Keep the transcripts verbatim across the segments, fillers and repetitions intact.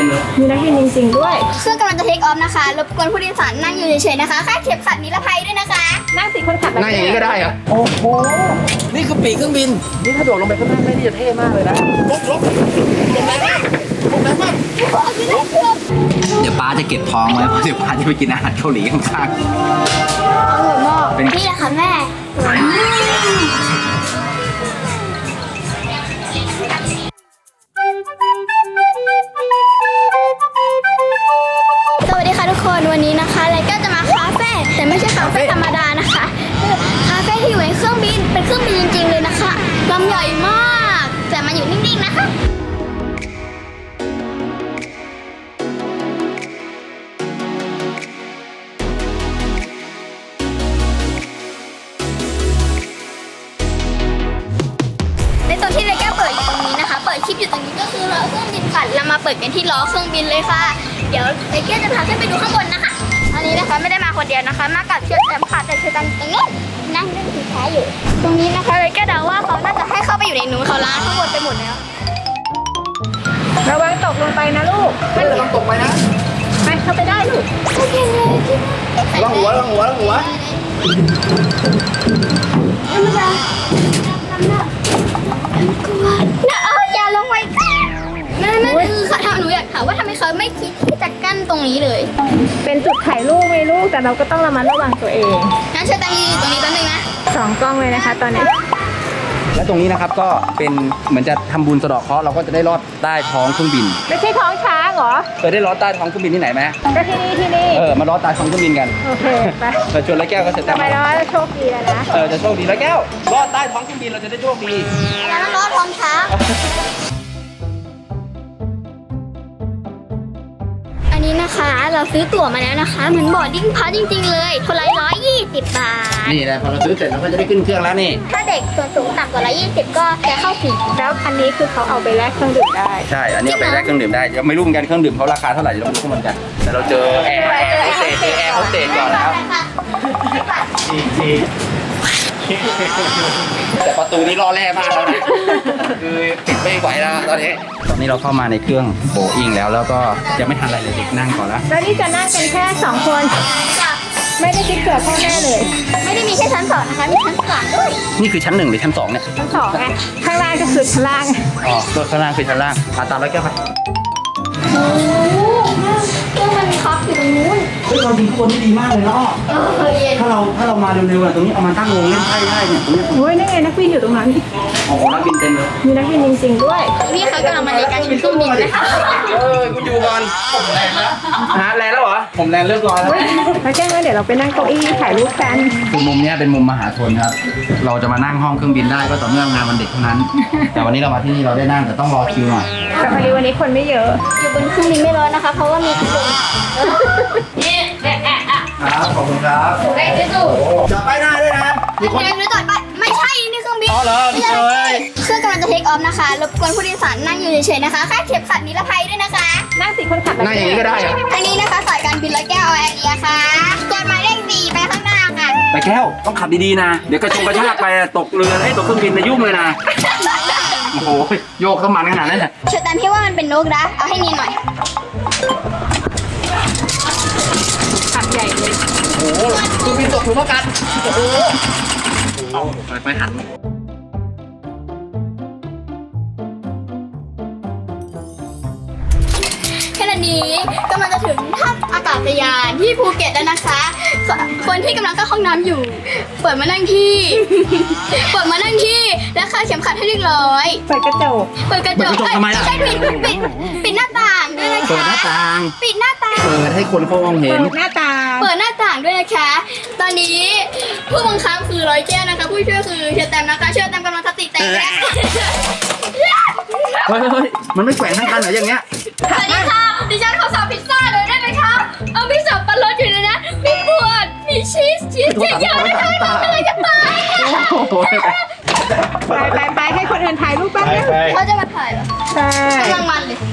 มเลยมีนักบินจริงๆด้วยเครื่องกำลังจะเทคออฟนะคะรบกวนผู้โดยสารนั่งอยู่เฉยๆนะคะคาดเข็มขัดนิรภัยด้วยนะคะนั่งติดคนขับนั่งอย่างนี้ก็ได้เหรอโอ้โหนี่คือปีกเครื่องบินนี่ถ้าโดดลงไปข้างล่างได้นี่จะเท่มากเลยนะลบลบลงแรงมากลงแรงมากเดี๋ยวป้าจะเก็บทองไว้เพราะเดี๋ยวป้าจะไปกินอาหารเกาหลีข้างๆอร่อยมากนี่แหละค่ะแม่สวัสดีค่ะทุกคนวันนี้นะคะไลก้าจะมาคาเฟ่แต่ไม่ใช่คาเฟ่ธรรมดานะคะคาเฟ่ที่อยู่ในเครื่องบินเป็นเครื่องบินจริงๆเลยนะคะลำใหญ่มากแต่มาอยู่นิ่งๆนะคะในตอนที่ไลก้าเปิดอยู่ตรงนี้นะคะเปิดคลิปอยู่ตรงนี้ก็คือล้อเครื่องบินค่ะเรามาเปิดกันที่ล้อเครื่องบินเลยค่ะเดี๋ยวไลก้าจะพาขึ้นไปดูข้างบนนะคะอันนี้นะคะไม่ได้มาคนเดียวนะคะมากับเชือกแอมค่ะแต่เชือกตรงนี้นั่งเล่นถือแพ้อยู่ ตรงนี้นะคะไลก้าเดาว่าเขาน่าจะให้เข้าไปอยู่ในนู้นเขาล้างข้างบนไปหมดแล้วระวังตกลงไปนะลูกไม่ระวังตกไปนะไปเข้าไปได้ลูกโอเคเลยระวังหัวระวังหัวระวังหัวน้ำน้ำน้ำน้ำกลัวนะเอออย่าลงไปนั่นนั่นคือค่ะหนูอยากถามว่าทำไมเขาไม่คิดที่จะกั้นตรงนี้เลยเป็นจุดถ่ายรูปไหมลูกแต่เราก็ต้องระมัดระวังตัวเองงั้นเชิญตังยืนอยู่ตรงนี้แป๊บนึงนะสองกล้องเลยนะคะตอนนี้และตรงนี้นะครับก็เป็นเหมือนจะทำบุญสะเดาะเคราะห์เราก็จะได้ลอดใต้ท้องเครื่องบินไม่ใช่ท้องช้างเหรอเคยได้ลอดใต้ท้องเครื่องบินที่ไหนไหมก็ที่นี่ที่นี่เออมาลอดใต้ท้องเครื่องบินกันโอเคไปเราชวนแล้วแก้วก็เสร็จทำไมเราจะโชคดีแล้วนะเออจะโชคดีแล้วแก้วลอดใต้ท้องเครื่องบินเราจะได้โชคดีแล้วมันลอดท้องช้างอันนี้นะคะเราซื้อตั๋วมาแล้วนะคะเหมือนบอร์ดดิ้งพาสจริงๆเลยคนละร้อยยี่สิบบาทนี่แหละพอเราซื้อเสร็จเราก็จะได้ขึ้นเครื่องแล้วนี่ถ้าเด็กส่วนสูงต่ำกว่าร้อยยี่สิบก็จะเข้าฟรีแล้วอันนี้คือเขาเอาไปแลกเครื่องดื่มได้ใช่อันนี้เอาไปแลกเครื่องดื่มได้ยังไม่รู้เหมือนกันเครื่องดื่มเขาราคาเท่าไหร่เราไม่รู้เหมือนกันแต่เราเจอแอร์โฮสเตสแอร์โฮสเตสก่อนแล้วแต่ประตูนี้รอแร่มากแล้วนะคือปิดไม่ไหวแล้วตอนนี้ตอนนี้เราเข้ามาในเครื่องโบอิงแล้วแล้วก็ยังไม่ทันอะไรเลยเด็กนั่งก่อนแล้วแล้วนี่จะนั่งกันแค่สองคนไม่ได้คิดเผื่อพ่อแม่เลยไม่ได้มีแค่ชั้นสองนะคะมีชั้นสามด้วยนี่คือชั้นหนึ่งหรือชั้นสองเนี่ยชั้นสองไงข้างล่างก็คือชั้นล่างอ๋อตัวข้างล่างคือชั้นล่างอาตามแล้วแก้วไปโอ้เครื่องมันคับอยู่ตรงนู้นเฮ้ยเราดีข้างบนนี่ดีมากเลยเนาะถ้าเราถ้าเรามาเร็วๆอะตรงนี้เอามาตั้งวงเล่นไพ่ได้เนี่ยตรงนี้โอ้ยนั่นไงนักบินอยู่ตรงนั้นโอ้โหนักบินเต็มเลยมีนักบินจริงๆด้วยนี่เขากำลังมาในการชิมเครื่องบินนะคะเออคุณอยู่ก่อนผมแรงแล้วฮะแรงแล้วเหรอผมแรงเรียบร้อยแล้วแล้วแจ้งว่าเดี๋ยวเราไปนั่งเก้าอี้ถ่ายรูปกันคือมุมนี้เป็นมุมมหาชนครับเราจะมานั่งห้องเครื่องบินได้ก็ต่อเมื่องานวันเด็กเท่านั้นแต่วันนี้เรามาที่นี่เราได้นั่งแต่ต้องรอคิวหน่อยแต่พอดีวันนี้คนไม่เยอะอยู่บนเครื่องบินไม่ร้อนนะคะเพราะว่ามีคนนี่แอะแอะอะครับขอบคุณครับได้ได้ดูจะไปหน้าด้วยนะมีคนหรือจอดไปไม่ใช่นี่เครื่องบินอ๋อเหรอเอ้ยเครื่องกำลังจะเทคออฟนะคะรบกวนผู้โดยสารนั่งอยู่เฉยๆนะคะคาดเข็มขัดนิรภัยด้วยนะคะนั่งติดคนขับนั่งอย่างนี้ก็ได้อันนี้นะคะสายการบินร้อยแก้วแอร์เอียค่ะกดหมายเลขสี่ไปข้างหน้าค่ะไปแก้วต้องขับดีๆนะเดี๋ยวกระชงกระชากไปตกเรือให้ตกเครื่องบินนะยุ่งเลยนะโอ้โหโยกเข้ามันขนาดนั้นเนี่ยเชิญตามพี่ว่ามันเป็นนกนะเอาให้นีหน่อยขับใหญ่เลยโอ้โหเครื่องบินตกหลุมอากาศโอ้โหเอาไปไปหันขณะนี้กำลังจะถึงท่าอากาศยานที่ภูเก็ตแล้วนะคะคนที่กำลังเข้าห้องน้ำอยู่เปิดมานั่งที่เปิดมานั่งที่แล้วคาดเข็มขัดให้เรียบร้อยเปิดกระจกเปิดกระจกทำไมล่ะใช่ปิดปิดปิดหน้าต่างด้วยนะคะเปิดหน้าต่างปิดหน้าต่างเปิดให้คนเขามองเห็นเปิดหน้าต่างเปิดหน้าต่างด้วยนะคะตอนนี้ผู้บังคับคือร้อยแก้วนะคะผู้ช่วยคือเชอร์แตมนะคะเชอร์แตมกำลังสติแตกแล้วเฮ้ยเฮ้ยมันไม่แขวนทั้งกันเหรออย่างเงี้ยสวัสดีค่ะดิฉันขอสั่งพิซซ่าเลยได้ไหมคะเอาพิซซ่าปลาลดอยู่เลยนะมีบวชมีชีสชีสเยอะๆนะคะทำอะไรกันตายไปไปไปให้คนอื่นถ่ายรูปบ้างเขาจะมาถ่ายเหรอใช่กำลังมันเลย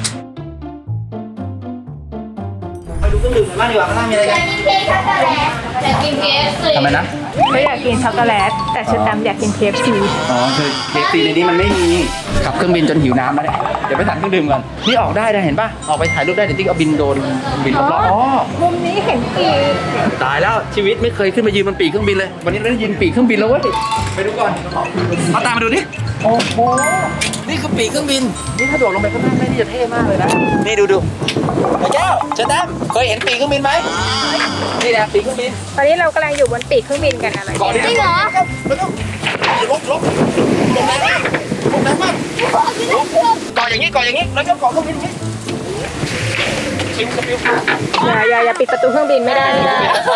ไปดูเครื่องดื่มกันบ้างดีกว่าข้างล่างมีอะไรกันกินเค้กช็อกโกแลตอยากกินเคฟซีทำไมนะไม่อยากกินช็อกโกแลตแต่เชอร์แตมอยากกินเคฟซีอ๋อคือเคฟซีในนี้มันไม่มีขับเครื่องบินจนหิวน้ำแล้วเนี่ยดี๋ยวไปสั่งเครื่องดื่มก่อนนี่ออกได้นะเห็นป่ะออกไปถ่ายรูปได้เดี๋ยวติ๊กเอาบินโดนบินรอบๆอ๋อมุมนี้เห็นปีกตายแล้วชีวิตไม่เคยขึ้นมายืนบนปีกเครื่องบินเลยวันนี้เราได้ยืนปีกเครื่องบินแล้วเว้ยไปดูก่อนเอาตามมาดูดิโอ้โหนี่คือปีกเครื่องบินนี่ถ้าโดดลงไปข้างล่างได้นี่จะเท่มากเลยนะนี่ดูดูไอ้แก้วเชต้มเคยเห็นปีกเครื่องบินไหมนี่นะปีกเครื่องบินตอนนี้เรากำลังอยู่บนปีกเครื่องบินกันอะไรก่อนจริงเหรอไม่ต้องลบลบลงแรงมากลงแรงมากก่ออย่างนี้ก่ออย่างนี้แล้วก็ก่อเครื่องบินอย่างนี้ชิมกระปิวอย่าอย่าอย่าปิดประตูเครื่องบินไม่ได้ไม่ได้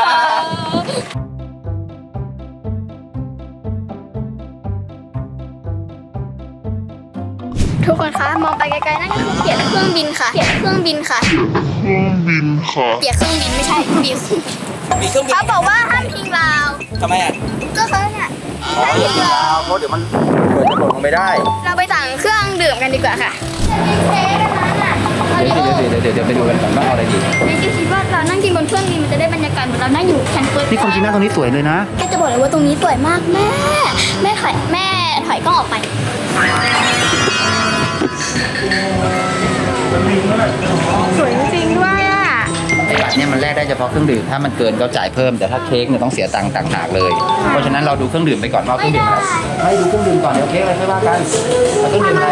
ทุกคนคะมองไปไกลๆนั่นก็คือเปียกเครื่องบินค่ะเปียกเครื่องบินค่ะเครื่องบินค่ะเปียกเครื่องบินไม่ใช่บิวปีกเครื่องบินเขาบอกว่าห้ามทิ้งราวทำไมอ่ะก็เขาเนี่ยอ๋อห้ามเดี๋ยวทิ้งราวเพราะเดี๋ยวมันเกิดจะหล่นลงไปได้เราไปสั่งเครื่องดื่มกันดีกว่าค่ะเค้กอันนั้นอ่ะเดี๋ยวเดี๋ยวเดี๋ยวเดี๋ยวไปดูกันก่อนว่าเอาอะไรดีในที่คิดว่าเรานั่งกินบนเครื่องบินมันจะได้บรรยากาศเหมือนเรานั่งอยู่แคนเฟิร์สนี่ความจริงนะตรงนี้สวยเลยนะแกจะบอกเลยว่าตรงนี้สวยมากแม่ แม่ถอยแม่ถอยกล้องออกไปสวยจริงๆด้วยอ่ะไอ้บัตรเนี่ยมันแลกได้เฉพาะเครื่องดื่มถ้ามันเกินก็จ่ายเพิ่มแต่ถ้าเค้กเนี่ยต้องเสียตังค์ต่างหากเลย เพราะฉะนั้นเราดูเครื่องดื่มไปก่อนว่าเครื่องดื่มอะไรไม่ดูเครื่องดื่มก่อนเดี๋ยวเค้กอะไรค่อยว่ากันเอาเครื่องดื่มอะไร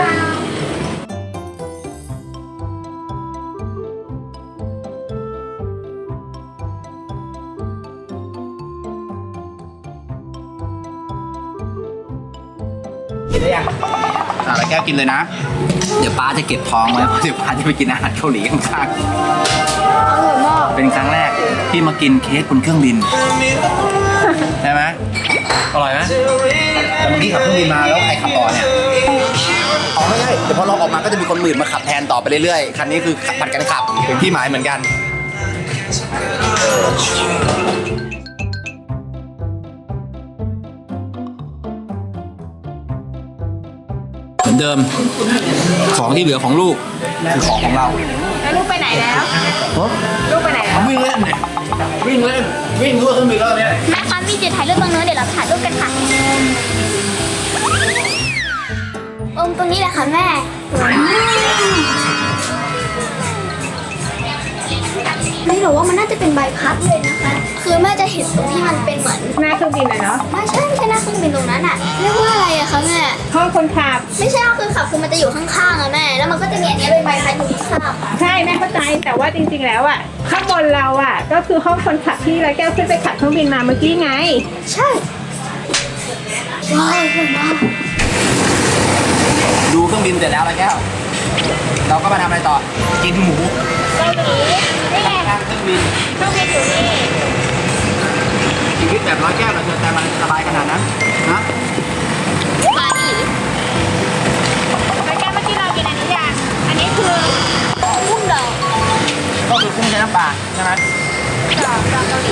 กินได้ยังอ่ะแล้วแก้วกินเลยนะ เดี๋ยวป้าจะเก็บท้องไว้เพราะเดี๋ยวป้าจะไปกินอาหารเกาหลีข้างๆอร่อยมากเป็นครั้งแรกที่มากินเค้กบนเครื่องบินใช่ไหมอร่อยไหมแต่เมื่อกี้ขับเครื่องบินมาแล้วใครขับต่อเนี่ยอ๋อไม่ใช่แต่พอเราออกมาก็จะมีคนหมื่นมาขับแทนต่อไปเรื่อยๆ คันนี้คือผัดกันขับเป็นที่หมายเหมือนกัน เหมือนเดิม ของที่เหลือของลูกคือของของเราแล้วลูกไปไหนแล้วลูกไปไหนแล้ววิ่งเล่นเนี่ยวิ่งเล่นวิ่งทั่วเครื่องบินแล้วเนี่ยแม่คะมีจุดถ่ายรูปตรงนู้นเดี๋ยวเราถ่ายรูปกันค่ะอมตรงนี้แหละค่ะแม่สวยมากไม่หรอกว่ามันน่าจะเป็นใบพัดเลยนะคะ คือแม่จะเห็นตรงที่มันเป็นเหมือนหน้าเครื่องบินเลยเนาะไม่ใช่ไม่ใช่หน้าเครื่องบินตรงนั้นอะเรียกว่าอะไรอะคะแม่ห้องคนขับไม่ใช่ก็คือขับคือมันจะอยู่ข้างๆอะแม่ แล้วมันก็จะมีอันเนี้ยเป็นใบพัดอยู่ข้างๆอะใช่แม่เข้าใจแต่ว่าจริงๆแล้วอ่ะข้างบนเราอ่ะก็คือห้องคนขับที่ร้อยแก้วขึ้นไปขับเครื่องบินมาเมื่อกี้ไงใช่ ว้าวสวยมากดูเครื่องบินเสร็จแล้วนะแก้ว เราก็มาทำอะไรต่อ กินหมูเกาหลีนี่ไงข้างเครื่องบินเครื่องบินอยู่นี่ชีวิตแบบร้อยแก้วเราเจอแต่มันสบายขนาดนั้นนะบาหลีร้อยแก้วเมื่อกี้เรากินอันนี้ยังอันนี้คือกุ้งดองก็คือกุ้งใช้น้ำปลาใช่ไหมดองดองเกาหลี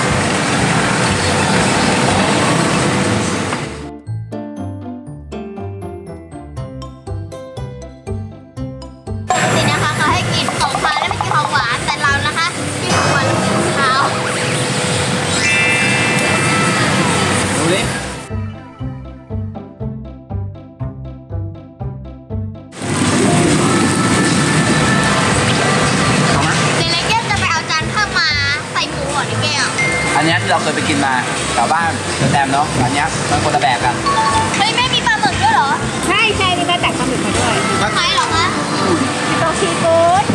นี่นะคะเขาให้กินของคาวและไม่กินของหวานแต่เรานะคะกินของหวานและกินของคาวดูดิเอาไหมเดี๋ยวในแก้วจะไปเอาจานข้าวมาใส่หมูก่อนในแก้วอันเนี้ยที่เราเคยไปกินมาแถวบ้านเจอแตมเนาะอันเนี้ยมันคนละแบบกันเฮ้ยไม่มีปลาหมึกด้วยเหรอใช่ใช่นี่แม่ตักปลาหมึกมาด้วยใครเหรอคะโตซีฟู้ด